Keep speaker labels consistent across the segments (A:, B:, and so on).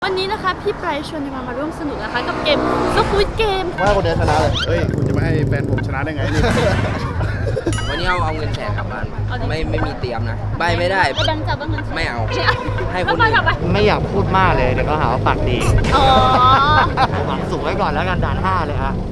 A: วันนี้นะคะพี่ไบรท์ชวนมาร่วมสนุกนะคะกับเกม Squid Game
B: ว่าคนเดียวชนะเลย
C: เฮ้ยคุณจะไม่ให้แฟนผมชนะได้ไงนี่
D: วันนี้เอาเงินแสนกลับบ้านไม่มีเตรียมนะใบไม่ได้
A: แบงค์จับว่าเงิน
D: ไม่เอา ให้คน
A: อื่
D: อื่น
B: ไม่อยากพูดมากเลยเดี๋ยวก็หาว่าปากดี
A: อ๋อ
B: หวังสูงไว้ก่อนแล้วกันด่าน 5เลยฮะ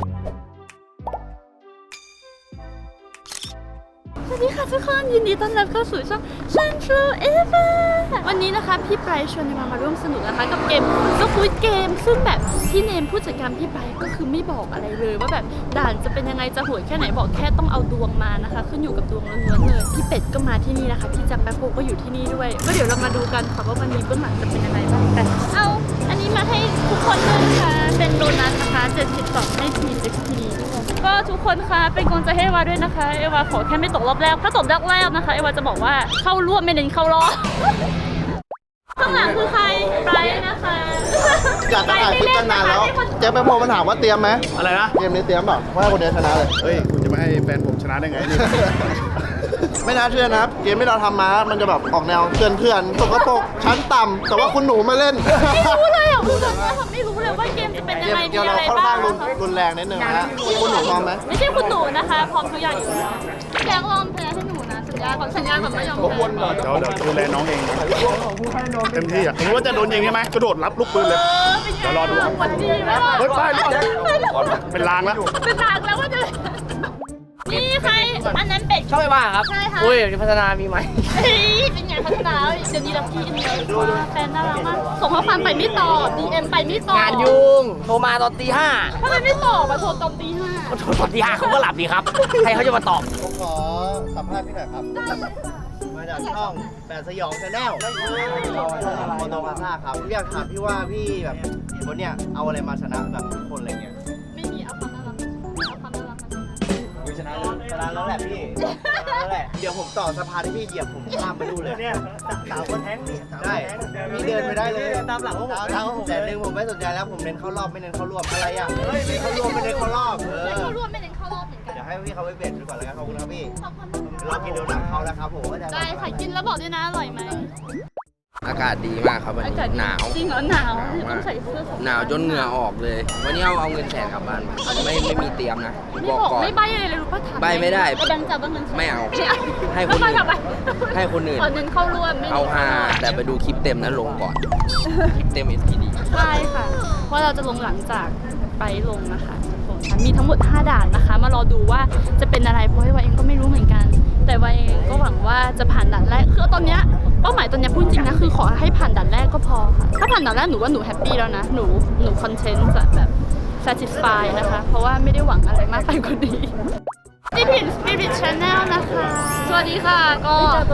A: สวัสดีค่ะทุกคนยินดีต้อนรับเข้าสู่ช่อง Central Eva วันนี้นะคะพี่ไบรท์ชวนมาร่วมสนุกนะคะกับเกม Squid Game ซึ่งแบบพี่เนมผู้จัดการพี่ไบรท์ก็คือไม่บอกอะไรเลยว่าแบบด่านจะเป็นยังไงจะโหดแค่ไหนบอกแค่ต้องเอาดวงมานะคะขึ้นอยู่กับดวงล้วนๆเลยพี่เป็ดก็มาที่นี่นะคะพี่แจ็คแป๊บโฮก็อยู่ที่นี่ด้วยก็เดี๋ยวเรามาดูกันค่ะว่าวันนี้เบื้องหลังจะเป็นยังไงบ้างกันเอาอันนี้มาให้ทุกคนเลยนะคะเป็นโดนัทนะคะ72ให้ทีXPก็ทุกคนคะเป็นกำลังใจให้เอวาด้วยนะคะเอวาขอแค่ไม่ตกรอบแรกถ้าตกรอบแรกนะคะเอวาจะบอกว่าเข้าร่วมไม่เน้นเข้ารอบข้างหลังคือใครไปนะคะ
B: อยากจะถ่ายคลิปกันนานแล้วเจ๊ไปพอมันถามว่าเตรียมไหม
C: อะไรนะ
B: เกมนี้เตรียมเปล่าว่าคนเดียวชนะเลย
C: เฮ้ยคุณจะไม่ให้แฟนผมชนะได้ไงนี่
B: ไม่น่าเชื่อนะครับเกมที่เราทำมามันจะแบบออกแนวเถื่อนๆสกปรกชั้นต่ำแต่ว่าคุณหนูมาเล่น
A: ไม่รู้เลยอ่ะคุณแบบว่าไม่รู้เลยว่าเกมจะเป็นยังไงมี
B: เกม
A: อะ
B: เรา
A: ไร
B: ค่อน
A: บ้า
B: ข้าง งรุนแรงนิดนึงนะฮะคุณหนูพร้อมไหม
A: ไม่ใช่คุณหนูนะคะพร้อมทุกอย่างอยู่แล้วแจ็คลองแพ้ให้หนูนะสัญญาก่อนสัญญาก่อนไม่ยอมแพ้
C: เดี๋ยวดูแลน้องเองนะเต็มที่อ่ะผมรู้ว่าจะโดนยิงใช่ไหมกระโดดรับลูกปืนเลย
A: เป็นไง
C: เดี๋ยวรอดู
A: วันดีไหมล่ะ
C: เฮ้ยไปเป็นลางแล้ว
A: เป็นลางแล้วว่าจะนี่ใครอันนั้นเป็ด
D: ชอบไปบ้าครับ
A: ใช่ค่ะ
D: อุ้ยพัฒนามีไหม
A: เฮ้ยเป็นไงพัฒนาเดี๋ยวนี้รักพี่กันเยอะมากแฟนน่ารักมากส่งข้อความไปไม่ตอบ DM ไปไม่ตอบ
D: งานยุ่งโทรมาตอนตี 5
A: ทำไมไม่ตอบมาโทรตอนตี
D: โทรตอนตี 5เขาก็หลับดีครับใครเขาจะมาตอบ
B: ผมขอสัมภาษณ์พี่หน่อยครับมาจากช่องแปดสยองชาแนลโมโนพาซ่าครับอยากถามพี่ว่าพี่แบบคนเนี้ยเอาอะไรมาชนะแบบทุกคนอะไรเงี้ย
A: 5ไม่มีเอาความน่ารักเอาความน่ารักมาชนะ
B: ชนะแล้วแหละพี่แล้วแหละเดี๋ยวผมต่อสะพานที่พี่เหยียบผมข้ามไปดูเลยเนี่ยสาวคนแท้งนี่ได้พี่เดินไปได้เลยตามหลังผมแต่หนึ่งผมไม่สนใจแล้วผมเน้นเข้ารอบไม่เน้นเข้ารวมอะไรอ่ะเน้นเข้ารวมไม่เน้นเข้ารอบ
A: ไม่เข้ารวมไม่เน้นเข้ารอบเหมือนกัน
B: เดี๋ยวให้พี่เขาไปเบ็ดดูก่อนแล้วกันขอบคุณครับพี่
A: ขอบคุณ
B: เรากินโดนัทเขาแล้วครับผม
A: ได้ค่ะกินแล้วบอกด้วยนะอร่อยไหม
D: อากาศดีมากครับวัน
A: อา
D: นี้
A: กาศ
D: หนาว
A: จริงเหรอหนาวต้องใส่เสื้อ
D: หนาวจนเหงื่อออกเลย วันนี้เอาเงินแสนกลับบ้านไม่มีเตรียมนะ
A: ไม่
D: บอก
A: บอก
D: ก่อน
A: ไม่ใบอะไรเลยรู้ป่ะถาม
D: ใบ้ไม่ได้
A: แบงค์จับว่าเงิน
D: ไม่เอา ให้
A: ให้
D: คนอื่น
A: ทำไม
D: ให้คนอื่น
A: เน้นเข้าร่วมไม่
D: เอาฮาแต่ไปดูคลิปเต็มนั้นลงก่อนคลิปเต็ม SPD
A: ใช่ค่ะเพราะเราจะลงหลังจากไปลงนะคะทุกคนมีทั้งหมด5ด่านนะคะ มารอดูว่าจะเป็นอะไรเพราะว่าเองก็ไม่รู้เหมือนกัน แต่ว่าเองก็หวังว่าจะผ่านด่านแรกคือตอนเนี้ยเป้าหมายตอนเนี้ยพูดจริงนะคือขอให้ผ่านด่านแรกก็พอค่ะถ้าผ่านด่านแรกหนูว่าหนูแฮปปี้แล้วนะหนูคอนเทนต์จะแบบ satisfy นะคะเพราะว่าไม่ได้หวังอะไรมากไปกว่านี้นี่ผิน Spirit Channel นะคะ สวัสดีค่ะ ก็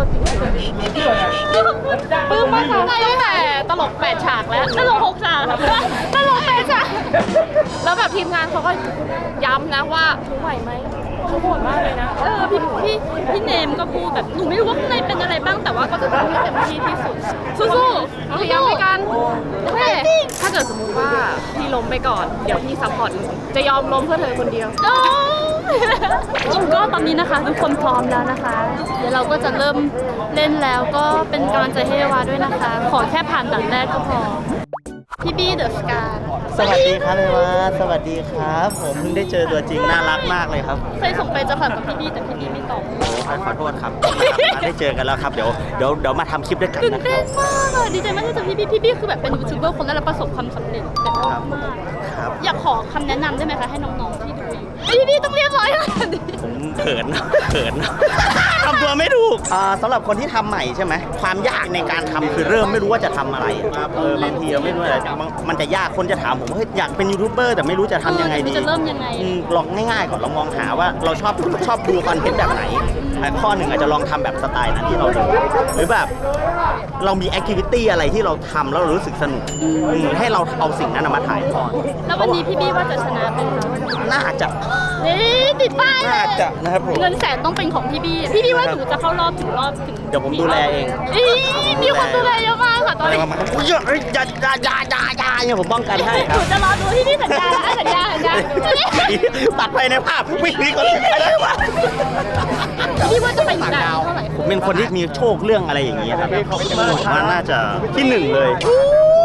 A: ปลื้มมากค่ะตั้งแต่ตลก8ฉากแล้วตลก6ฉากตลก8ฉากแล้วแบบทีมงานเขาก็ย้ำนะว่าเขาไหวไหมเขาโหดมากเลยนะพี่เนมก็พูดแบบหนูไม่รู้ว่าข้างในเป็นอะไรบ้างแต่ว่าก็จะทำให้เต็มที่ที่สุดสู้ๆพยายามไปกันโอเคถ้าเกิดสมมุติว่าพี่ล้มไปก่อนเดี๋ยวพี่ซัพพอร์ตหนูจะยอมล้มเพื่อเธอคนเดียวก็ตอนนี้นะคะทุกคนพร้อมแล้วนะคะ เดี๋ยวเราก็จะเริ่มเล่นแล้วก็เป็นกำลังใจให้เอวาด้วยนะคะ ขอแค่ผ่านด่านแรกก็พอพี่บี้เดอะสกา
B: สวัสดีครับเลยวะสวัสดีครับ ผมเพิ่งได้เจอตัวจริงน่ารักมากเลยครับ
A: เคยส่งไปจะผ่านกับพี่บี้แต่พี่บี้ไม่ตอบ
B: ขอโทษครับได้เจอกันแล้วครับเดี๋ยวมาทำคลิปด้วยกัน
A: ตื่น
B: นะค
A: เต้
B: รั
A: น
B: บ
A: มากเลยดีใจมากที่เจอพี่บี้พี่บี้คือแบบเป็นยูทูบเบอร์คนแรกและประสบความสำเร็จแบบมาก
B: ครับ
A: อยากขอคำแนะนำได้ไหมคะให้น้องๆที่ดูอยู่พี่บี้ต้องเรียบร้อยขนาดนี้
B: ผมเขินทำตัวไม่ถูกสำหรับคนที่ทำใหม่ใช่ไหมความยากในการทำคือเริ่มไม่รู้ว่าจะทำอะไรบางทีไม่รู้อะไรมันจะยากคนจะถามผมว่าอยากเป็นยูทูบเบอร์แต่ไม่รู้จะทำยังไงดี
A: จะเริ่มยังไง
B: ลองง่ายๆก่อนลองมองหาว่าเราชอบดูคอนเทนต์แบบไหนข้อหนึ่งอาจจะลองทำแบบสไตล์นั้นที่เราดูหรือแบบเรามีแอคทิวิตี้อะไรที่เราทำแล้วเรารู้สึกสนุกให้เราเอาสิ่งนั้นมาถ่ายทอด
A: แล้ววันนี้พี่บี้ว่าจะชนะเป็นคะ
B: น่าจะ
A: นี่ติดป้ายเลย
B: น่าจะนะครับผม
A: เงินแสนต้องเป็นของพี่บี้พี่บี้ว่าหนูจะเข้ารอบถึง
B: เดี๋ยวผมดูแลเอง
A: มีคนดูแลเยอะมากค่ะตอน
B: อะไร
A: นี้
B: ประมาณอย่าเนี่ยผมป้องกันให้ค
A: ห
B: รับ
A: นูจะรอดูที่พี่สัญญาแล้วสัญญา
B: ตัดไปในภาพวิ่งหนีก่อนไปเลยวะ
A: พี่ว่าจะไปถึงด่านเท่าไหร่
B: ผมเป็นคนที่มีโชคเรื่องอะไรอย่างเงี้ยครับผมว่าน่าจะที่หนึ่งเลย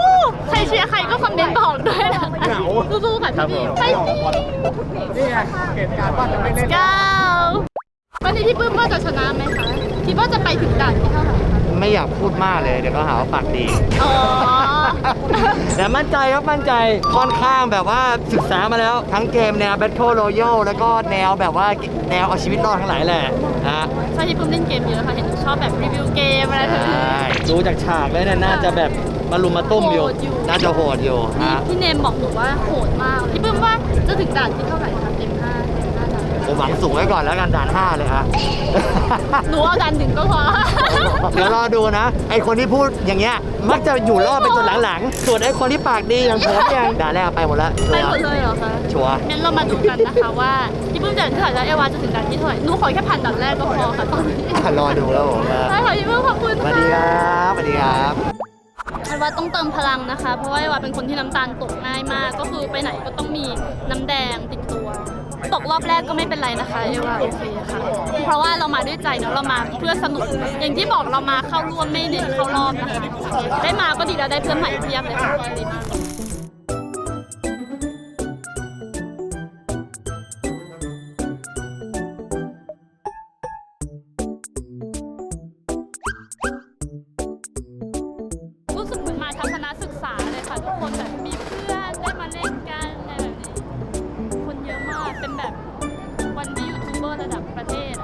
A: ใครเชียร์ใครก็คอมเมนต์บอกด้วยนะสู้ๆค่ะพี่ไปสินี่ไงเหตุการณ์ว่าจะไม่เล่นวันนี้พี่ปื้มว่าจะชนะไหมคะคิดว่าจะไปถึงด่านที่เท่าไหร่คะ
B: ไม่อยากพูดมากเลยเดี๋ยวก็หาว่าปากดี
A: อ๋อ
B: แต่มั่นใจครับมั่นใจค่อนข้างแบบว่าศึกษามาแล้วทั้งเกมแนว Battle Royale แล้วก็แนวแบบว่าแนวเอาชีวิตรอดทั้งหลายแหละนะ
A: ใช่พี่ปื้มเล่นเกมเยอะค่ะเห็นชอบแบบรีวิวเกมอะไรแบบนี้
B: ดูจากฉากแล้วเนี่ยน่าจะแบบมารุมมาตุ้มอยู่
A: โหดอยู่
B: น่าจะโหดอยู่
A: นี่
B: ฮะ
A: พี่เนมบอกหนูว่าโหดมากพี่ปื้มว่าจะถึงด่านที่เท่าไหร่คะเต็ม5ด่าน
B: ผมหวังสูงไว้ก่อนแล้วกันด่าน 5 เลยฮะ
A: หนูเอาด่าน1ก็พอ
B: เดี๋ยวรอดูนะ ไอคนที่พูดอย่างเงี้ยมักจะอยู่รอดไปจนหลังๆ ส่วนไอคนที่ปากดีอย่างผมอย่างด่านแรกไปหมดแล้วชั
A: ไป
B: ว
A: หมด
B: ร์
A: เลยเหรอคะ
B: ชัวร์
A: งั้นเรามาดูกันนะคะว่าพี่ปื้มด่านที่เท่าไหร่แล้วเอวาจะถึงด่านที่เท่าไหร่หนูขอแค่ผ่านด่านแรกก็พอค่ะตอนนี้
B: รอดูแล้วผม
A: ได้ค่ะพี่ปื้มขอบคุณ
B: สวั
A: ค่ะ
B: สดีครับสวัสดีครับ
A: เอวาต้องเติมพลังนะคะ เพราะว่าเอวาเป็นคนที่น้ำตาลตกง่ายมาก ก็คือไปไหนก็ต้องมีน้ำแดงติดตัว ตกรอบแรกก็ไม่เป็นไรนะคะเอวาโอเคค่ะ เพราะว่าเรามาด้วยใจเนาะเรามาเพื่อสนุก อย่างที่บอกเรามาเข้าร่วมไม่เน้นเข้ารอบนะคะ ได้มาก็ดีแล้วได้เพื่อนใหม่เพียบเลยค่ะดีมาก รู้สึกเหมือนมาทัศนศึกษาเลยค่ะทุกคนแบบมีเพื่อนได้มาเล่นกันอะไรแบบนี้ คนเยอะมากเป็นแบบวันที่ยูทูบเบอร์ระดับประเทศอะ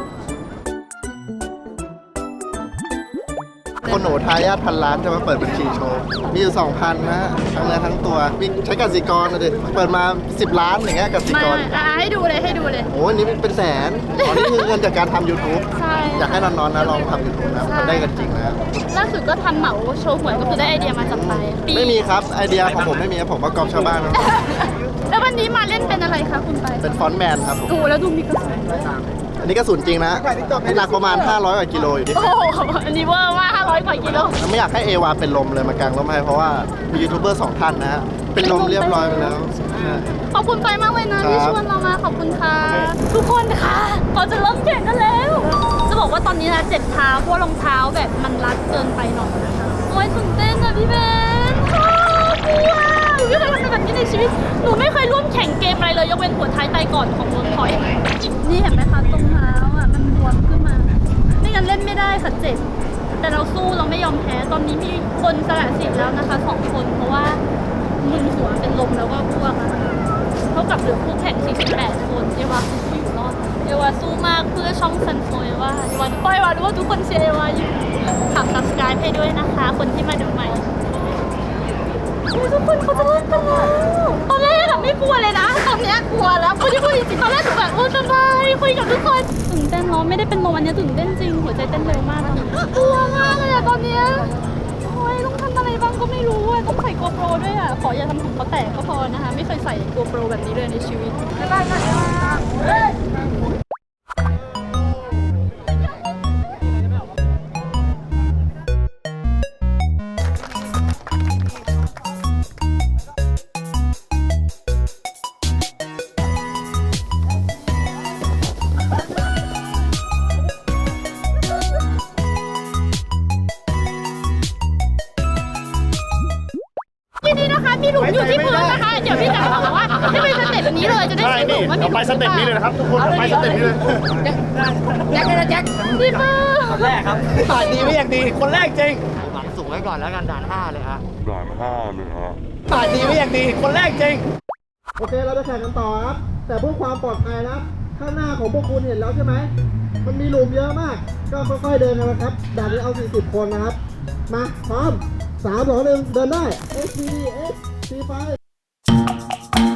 E: คนหนูทายาทพันล้านจะมาเปิดบัญชีโชว์ มีอยู่ 2,000 นะฮะทั้งเนื้อทั้งตัวมีใช้กสิกรนะดิเปิดมา 10 ล้านอย่างเงี้ยกสิ
A: มาก
E: ร
A: ให้ดูเลยให้ดูเลย
E: โอ้ยนี่เป็นแสนอ๋อนี่คือเงินจากการทำ YouTube
A: ใช่
E: อยากให้น้องๆนะลองทำ YouTube นะ
A: ใช่
E: มันได้กันจริงนะ
A: ล่าสุดก็ทำเหมาโชว์หวยก็คือได้ไอเดียมาจากไปปี
E: ไม่มีครับ ไอเดียของผมไม่มีครับผมว่ากอบชาวบ้านนะ
A: แล้ววันนี้มาเล่นเป็นอะไรคะคุณไป
E: เป็นฟอนต์แมนครับผม
A: โอ้แล้วดูมีกระสุนด้วย
E: อันนี้กระสุนจริงนะหนักประมาณ 500 กว่ากิโลอยู่ที่
A: โอ้โหอันนี้เวอร์มาก500 กว่ากิโล
E: ไม่อยากให้เอวาเป็นลมเลยมากางร่มให้เพราะว่ามียูทูบเบอร์ 2 ท่านนะฮะเป็นลมเรียบร้อยไปแล้ว
A: ขอบคุณไปมากเลยนะที่
E: ครับ
A: ชวนเรามาขอบคุณค่ะ ทุกคนค่ะเราจะเริ่มแข่งกันแล้ว จะบอกว่าตอนนี้นะเจ็บเท้าเพราะรองเท้าแบบมันรัดเกินไปหน่อยนะคะโอ้ยตื่นเต้นนะพี่เบนกลัวหนูไม่เคยทำอะไรแบบนี้ในชีวิตหนูไม่เคยร่วมแข่งเกมอะไรเลยยกเว้นหัวท้ายไตก่อนของเวิร์คพอยต์นี่เห็นไหมคะตรงเท้าอ่ะมันบวมขึ้นมา ไม่งั้นเล่นไม่ได้ค่ะเจ็บแต่เราสู้เราไม่ยอมแพ้ตอนนี้มีคนสละสิทธิ์แล้วนะคะ2 คนเพราะว่ามึนหัวเป็นลมแล้วก็พวกนะคะเท่ากับเหลือคู่แข่ง48 คนเอวาคือผู้อยู่รอดเอวาสู้มากเพื่อช่องซันโฟเอวาเอวาปล่อยวารู้ว่าทุกคนเชียร์เอวาอยู่ฝาก subscribe ให้ด้วยนะคะ คนที่มาดูใหม่ทุกคนเขาจะเล่นกันแล้วตอนแรกอะไม่กลัวเลยนะตอนเนี้ยกลัวแล้วคนที่พูดจริงๆตอนแรกหนูแบบโอ้สบายคุยกับทุกคนตื่นเต้นเนาะไม่ได้เป็นลมอันนี้ตื่นเต้นจริงหัวใจเต้นเร็วมากตอนนี้กลัวมากเลยอะตอนเนี้ยโอ้ยต้องทำอะไรบ้างก็ไม่รู้อะต้องใส่โกโปรด้วยอะขออย่าทำผมเขาแตกก็พอนะคะไม่เคยใส่โกโปรแบบนี้เลยในชีวิตทีนี้นะคะมีหลุมอยู่ที่พื้นนะคะเดี๋ยวพี่จะบอกว่าให้ไปสเต็ปนี้เลยจะได้
C: ใช่
A: ไม่หลุ
C: นี่
A: มว่ามี
C: เราไปสเต็ปนี้เลยนะครับทุกคนเราไปสเต็ปนี้เลย
A: พี่ปื้ม
B: คนแรกครับปากดีไม่อยากดีคนแรกจริงหวังสูงไว้ก่อนแล้วกันด่าน 5 เลยฮะปากดีไม่อยากดีคนแรกจริง
E: โอเคเราจะแข่งกันต่อครับแต่เพื่อความปลอดภัยนะครับข้างหน้าของพวกคุณเห็นแล้วใช่ไหมมันมีหลุมเยอะมาก ก็ค่อยๆเดินกันนะครับด่านนี้เอา 40 คนนะครับมาพร้อม3 2 1เดินได้ S C D S C 5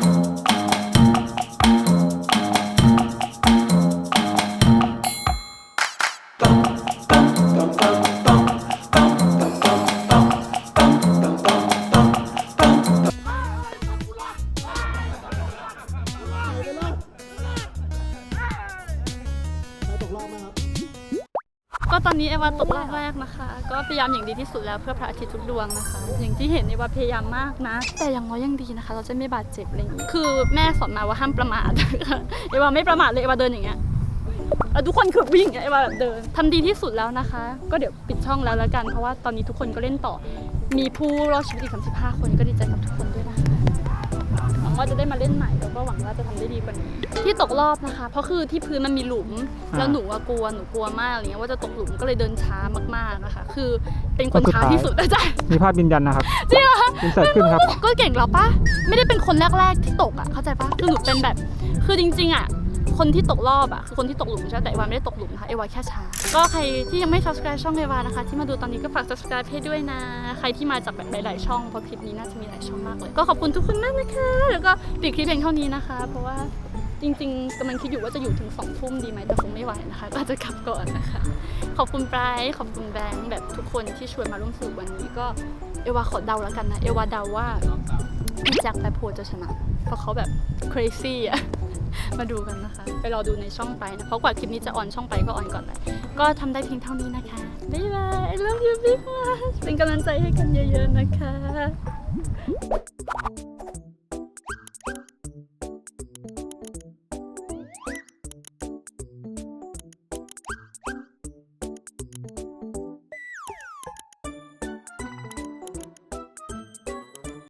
E: ตกรอบไหมครับ
A: ก็ตอนนี้เอวาตกรอบแรกนะคะ ก็พยายามอย่างดีที่สุดแล้วเพื่อพระอาทิตย์ทุกดวงนะคะ อย่างที่เห็นเอวาพยายามมากนะ แต่อย่างน้อยยังดีนะคะ เราจะไม่บาดเจ็บอะไรอย่างนี้คือแม่สอนมาว่าห้ามประมาท เอวาไม่ประมาทเลยเอวาเดินอย่างเงี้ยทุกคนคือวิ่งเอวาแบบเดินทำดีที่สุดแล้วนะคะ ก็เดี๋ยวปิดช่องแล้วกันเพราะว่าตอนนี้ทุกคนก็เล่นต่อมีผู้รอดชีวิตอีก35 คนก็ดีใจกับทุกคนด้วยนะคะหวังว่าจะได้มาเล่นใหม่แล้วก็หวังว่าจะทำได้ดีกว่านี้ที่ตกรอบนะคะเพราะคือที่พื้นมันมีหลุมแล้วหนูกลัวมากอะไรเงี้ยว่าจะตกหลุมก็เลยเดินช้ามากๆนะคะคือเป็นคนช้าที่สุดอาจารย์
F: มีภาพยืนยันนะครับ
A: จริงเหรอ
F: อินเสิร์ตขึ้นครับ
A: ก็เก่งแล้วปะไม่ได้เป็นคนแรกๆที่ตกอ่ะเข้าใจปะคือหนูเป็นแบบคือจริงๆอ่ะคนที่ตกรอบอ่ะคือคนที่ตกหลุมใช่แต่เอวาไม่ได้ตกหลุมนะคะเอวาแค่ช้าก็ใครที่ยังไม่ subscribe ช่องเอวานะคะที่มาดูตอนนี้ก็ฝาก subscribe ให้ด้วยนะใครที่มาจากแบบหลายๆช่องเพราะคลิปนี้น่าจะมีหลายช่องมากเลยก็ขอบคุณทุกคนมากนะคะแล้วก็ปิดคลิปเพียงเท่านี้นะคะเพราะว่าจริงๆกำลังคิดอยู่ว่าจะอยู่ถึง2 ทุ่มดีไหมแต่คงไม่ไหวนะคะก็จะกลับก่อนนะคะขอบคุณไบรท์ขอบคุณแบงค์แบบทุกคนที่ชวนมาร่วมสนุกวันนี้ก็เอวาขอเดาแล้วกันนะเอวาเดาว่าพี่แจ็คแปโพจะชนะเพราะเขาแบบ crazy อะ มาดูกันนะคะไปรอดูในช่องไปนะเพราะกว่าคลิปนี้จะออนช่องไปก็ออนก่อนเลยก็ทำได้เพียงเท่านี้นะคะบ๊ายบาย I love you big much เป็นกำลังใจให้กันเยอะๆนะคะ